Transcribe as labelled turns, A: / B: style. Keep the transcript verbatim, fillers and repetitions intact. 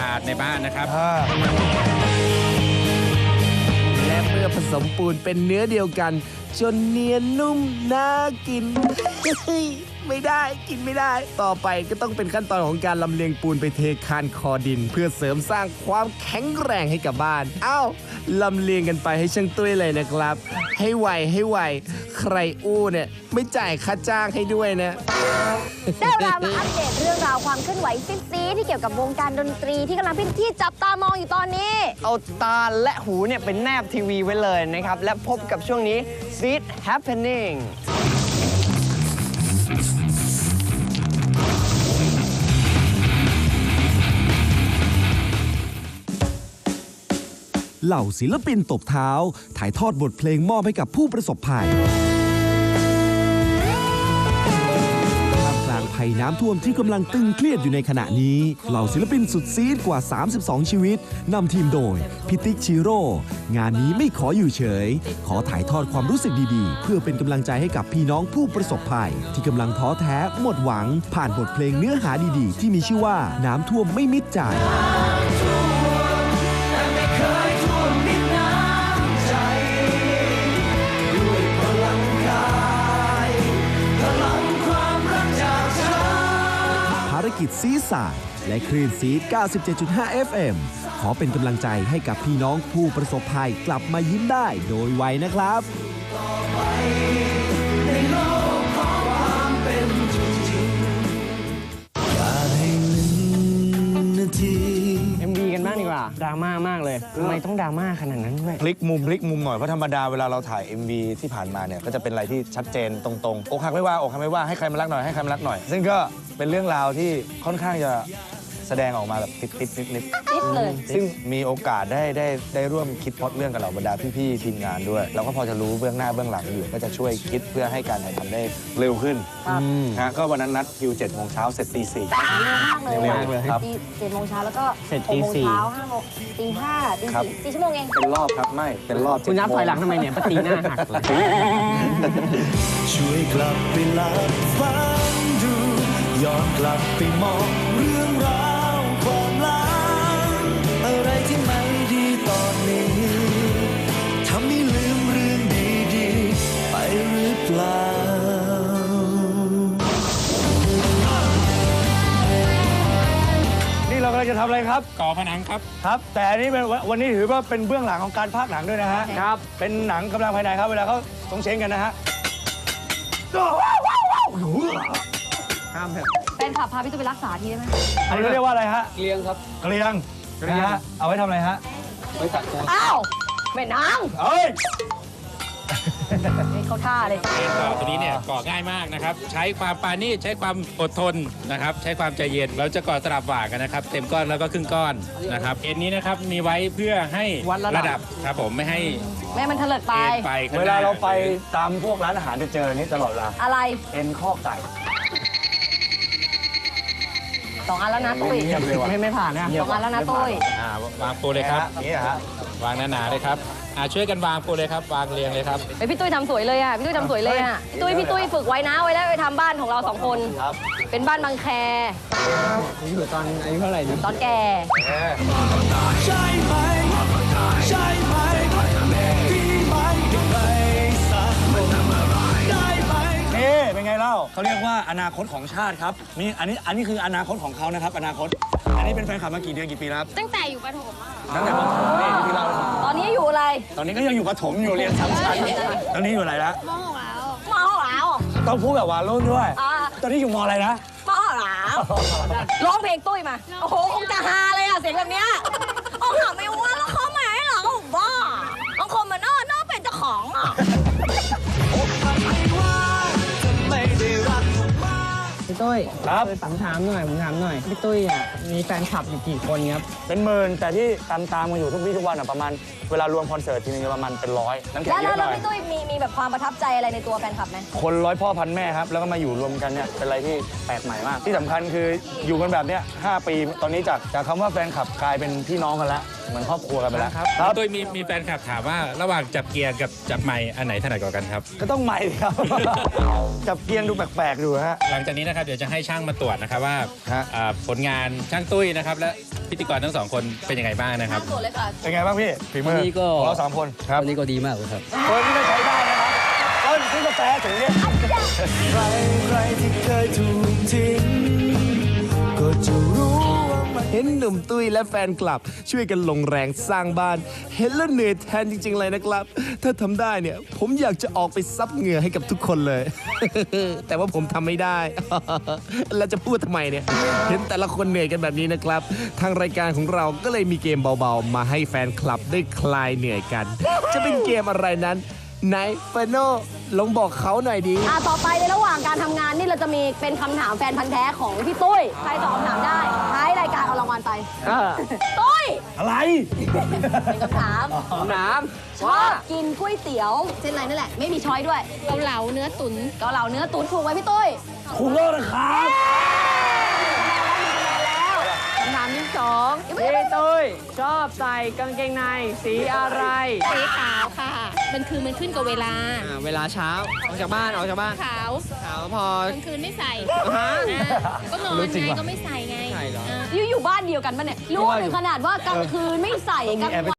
A: าดในบ้านนะครับ
B: และเมื่อผสมปูนเป็นเนื้อเดียวกันจนเนียนนุ่มน่ากิน ไม่ได้กินไม่ได้ ต่อไปก็ต้องเป็นขั้นตอนของการลำเลียงปูนไปเทคานคอดิน เพื่อเสริมสร้างความแข็งแรงให้กับบ้านเอ้าลำเลียงกันไปให้ช่างตุ้ยเลยนะครับ ให้ไวให้ไวใครอู้เนี่ยไม่จ่ายค่าจ้างให้ด้วยนะ
C: ได้เวลามาอัปเดตเรื่องราวความเคลื่อนไหวซิซีที่เกี่ยวกับวงการดนตรีที่กำลังเป็นที่จับตามองอยู่ตอนนี้
D: เอาตาและหูเนี่ยเป็นแนบทีวีไว้เลยนะครับและพบกับช่วงนี้ Seed Happening
B: เหล่าศิลปินตบเท้าถ่ายทอดบทเพลงมอบให้กับผู้ประสบภัยท่ามกลางภัยน้ำท่วมที่กำลังตึงเครียดอยู่ในขณะนี้เหล่าศิลปินสุดซีดกว่าสามสิบสองชีวิตนำทีมโดยพิติกชิโร่งานนี้ไม่ขออยู่เฉยขอถ่ายทอดความรู้สึกดีๆเพื่อเป็นกำลังใจให้กับพี่น้องผู้ประสบภัยที่กำลังท้อแท้หมดหวังผ่านบทเพลงเนื้อหาดีๆที่มีชื่อว่าน้ำท่วมไม่มิดใจภารกิจซีสายและคลื่นซีด เก้าสิบเจ็ดจุดห้า เอฟ เอ็ม ขอเป็นกำลังใจให้กับพี่น้องผู้ประสบภัยกลับมายิ้มได้โดยไวนะครับ
D: เอ็ม วี กันบ้างดีกว่าดราม่ามากเลยทำไมต้องดราม่าขนาดนั้นด้วย
E: พลิกมุมพลิกมุมหน่อยเพราะธรรมดาเวลาเราถ่าย เอ็ม วี ที่ผ่านมาเนี่ยก็จะเป็นอะไรที่ชัดเจนตรงๆอกหักไม่ว่าอกหักไม่ว่าให้ใครมารักหน่อยให้ใครมารักหน่อยซึ่งก็เป็นเรื่องราวที่ค่อนข้างจะแสดงออกมาแบบติดๆนิดๆ
C: ติดเลย
E: ซึ่งมีโอกาสได้ได้ได้ร่วมคิดพล็อตเรื่องกับเหล่าบรรดาพี่ๆทีมงานด้วยเราก็พอจะรู้เบื้องหน้าเบื้องหลังอยู่ก็จะช่วยคิดเพื่อให้การถ่ายทำได้เร็วขึ้นนะก็วันนั้นนัดคิวเจ็ดโมงเช้าเสร็จตีสี่
C: เร็วมากเลย
E: เร็วเลยครับ
C: ตีเจ็ดโมงเช้าแล้วก็
D: เสร็จ
C: หก
D: ตี
C: โมง
D: สี่
C: เช้าห้าโมงตีห้าตี
E: ครับ
C: สี่สี่ชั่วโมงเอง
E: เป็นรอบครับไม่เป็นรอบ
D: คุณนับถอยหลังทำไมเนี่ยปตีหน้าหักเลย
F: ช่วยกลับไปหลับฟังดูย้อนกลับไปมองเรื่องราวความหลังอะไรที่ไม่ดีตอนนี้ทำให้ลืมเรื่องดีๆไปหรือเปล่า
E: นี่เรากำลังจะทำอะไรครับ
A: ก่อผนังครับ
E: ครับ แต่อันนี้เป็นวันนี้ถือว่าเป็นเบื้องหลังของการพากย์หนังด้วยนะฮะครับเป็นหนังกำลังภายในครับเวลาเขาสงเชงกันนะฮะ
D: ห้ามเถอะ
C: แฟนขับพาพี่ตุ้ยไปรักษาทีได้ไหม
E: อันนี้เขาเรียกว่าอะไรฮะ
D: เกลียงครับ
E: เกลียงนะฮะเอาไว้ทำอะไรฮะ
D: ไว้ตัดตัว
C: อ้าวแม่นาง
E: เอ้ย
C: นี่เขาท่าเลย
A: เอ็นก่อตัวนี้เนี่ยก่อง่ายมากนะครับใช้ความปราณีตใช้ความอดทนนะครับใช้ความใจเย็นเราจะก่อสลับหว่างกันนะครับเต็มก้อนแล้วก็ครึ่งก้อนนะครับเอ็นนี้นะครับมีไว้เพื่อให้
D: วัดระดับ
A: ครับผมไม่ให้
C: แม่มันเถลิดไป
A: เอ็นไปข้งหน้
E: เวลาเราไปตามพวกร้านอาหารจะเจอนี้ตลอดเวลา
C: อะไร
E: เอ็นข้อไก่
C: สองอันแล้วนะตุ้ย
E: เงียบเลยว่ะ
D: ไม่ไม่ผ่านนะ
C: สองอันแล้วนะตุ้ย
A: อ่าวางปูเลยครับ
E: นี่ฮะ
A: วางหนาๆเลยครับอ่าช่วยกันวางปูเลยครับวางเรียงเลยครับ
C: เฮ้ยพี่ตุ้ยทำสวยเลยอ่ะพี่ตุ้ยทำสวยเลยอ่ะพี่ตุ้ยพี่ตุ้ยฝึกไว้นะไว้แล้วไปทำบ้านของเราสองคน
E: ครับ
C: เป็นบ้านบางแค
D: อยู่ตอนอายุเท่าไหร่เนี่ย
C: ตอนแก่
F: ใช่ไหมใช่ไหมพี่ไม่ต้องไปสักคนได้ไหม
E: นี่เป็นไงเล่าเขาเรียกว่าอนาคตของชาติครับนี่อันนี้อันนี้คืออนาคตของเขานะครับ อนาคต อันนี้เป็นแฟนคลับมากี่เดือนกี่ปีแล้วครับ
C: ตั้งแต่อยู่ประถม
E: ตั้งแต่ประถมนี่ที่เรา
C: ตอนนี้อยู่อะไร
E: ตอนนี้ก็ยังอยู่ประถมอยู่เรียนสามชั้นตอนนี้อยู่อะไรแล้ว
C: มหกแล้วมหกแล้ว
E: ต้องพูดแบบวารุ่นด้วย
C: อ่า
E: ตอนนี้อยู่มอะไรนะ
C: มหกแล้วร้องเพลงตุ้ยมาโอ้โหคงจะฮาเลยอ่ะเสียงแบบเนี้ยโอ้หาไม่ว่าแล้วเขาไหมเหรอผมบ้าบางคนมันน่าน่าเป็นเจ้าของอ่ะ
D: พี่ตุ้ย
E: ครับ
D: ผมถามหน่อยผมถามหน่อยพี่ตุ้ยอ่ะมีแฟนคลับอยู่กี่คนครับ
E: เป็นหมื่นแต่ที่ตามตามๆกันอยู่ทุกวี่ทุกวันอ่ะประมาณเวลารวมคอนเสิร์ตทีนึงประมาณเป็นร้อยน้ำแข็ง
C: แล้ว
E: เย
C: แล้ว
E: อะห
C: แล้ว
E: น่อย
C: พี่ตุ้ยมีมีแบบความประทับใจอะไรในตัวแฟนคลับไหม
E: คนร้อยพ่อพันแม่ครับแล้วก็มาอยู่รวมกันเนี่ยเป็นอะไรที่แปลกใหม่มาก ที่สำคัญคืออยู่กันแบบเนี้ยห้าปีตอนนี้จากจากคำว่าแฟนคลับกลายเป็นพี่น้องกันแล้วเหมือนครอบครัวกันไปแล้ว
A: ครับตุ้ยมีมีแฟนคลับถามว่าระหว่างจับเกียร์กับจับไมค์อันไหนถนัดกว่ากันครับ
E: ก็ต้องใหม่ครับ จับเกียงดูแปลกๆดูฮะ
A: หลังจากนี้นะครับเดี๋ยวจะให้ช่างมาตรวจนะครับว่า
E: ฮะ
A: อ่าผลงานช่างตุ้ยนะครับและพิธีกรทั้งสองคนเป็นยังไงบ้างนะครับ
C: ตรวจเลยค่ะ
E: เป็นไงบ้างพี่ฝีมือ
G: วันนี้ก็
E: ของเราสามคนครับ
G: วันนี้ก็ดีมากเลยครับ
E: คนที่จะใช้ได้นะครับต้นซื้อกาแฟถึงเนี่ย
F: ใครใครที่เคยถูกทิ้งก็จะรู้ว่ามัน
B: เห็นหนุ่มตุ้ยและแฟนคลับ ช่วยกันลงแรงสร้างบ้าน เห็นแล้วเหนื่อยแทนจริง ๆ เลยนะครับ ถ้าทำได้เนี่ย ผมอยากจะออกไปซับเหงื่อให้กับทุกคนเลย แต่ว่าผมทำไม่ได้ แล้วจะพูดทำไมเนี่ย เห็นแต่ละคนเหนื่อยกันแบบนี้นะครับ ทางรายการของเราก็เลยมีเกมเบาๆ มาให้แฟนคลับได้คลายเหนื่อยกัน จะเป็นเกมอะไรนั้นไหนเฟโน่ลองบอกเขาหน่อยดี
C: อ่ะต่อไปในระหว่างการทำงานนี่เราจะมีเป็นคำถามแฟนพันธ์แท้ของพี่ตุ้ย ใครตอบคำถามได้ท้ายรายการเอารางวัลไป ตุ้ย
E: อะไร
C: เป็นคำถามน้ำชอบกินก๋วยเตี๋ยวเส้นอะไรนั่นแหละ ไม่มีช้อยด้วย
H: เกาเหลาเนื้อตุ๋น
C: เกาเหลาเนื้อตุ๋นถูกไหมพี่ตุ้ย
E: คุณโลกนะครับ
D: คำถามที่สองพี่ตุ้ยชอบใส่กางเกงในสีอะไร
H: สีขาวค่ะ มันคือมันขึ้นกับเวลา
D: อ่าเวลาเช้า ออกจากบ้าน ออกจากบ้าน
H: ขาว
D: ขาวพอก
H: ลางคืนไม่ใส่
D: ฮะ
H: อ่าก็นอนไงก็ไม่ใส่ไง
D: ใช่เหรอ
H: อ่า
C: อยู่อยู่บ้านเดียวกันปะเนี่ย รู้ถึงขนาดว่ากลางคืนไม่ใส่กลาง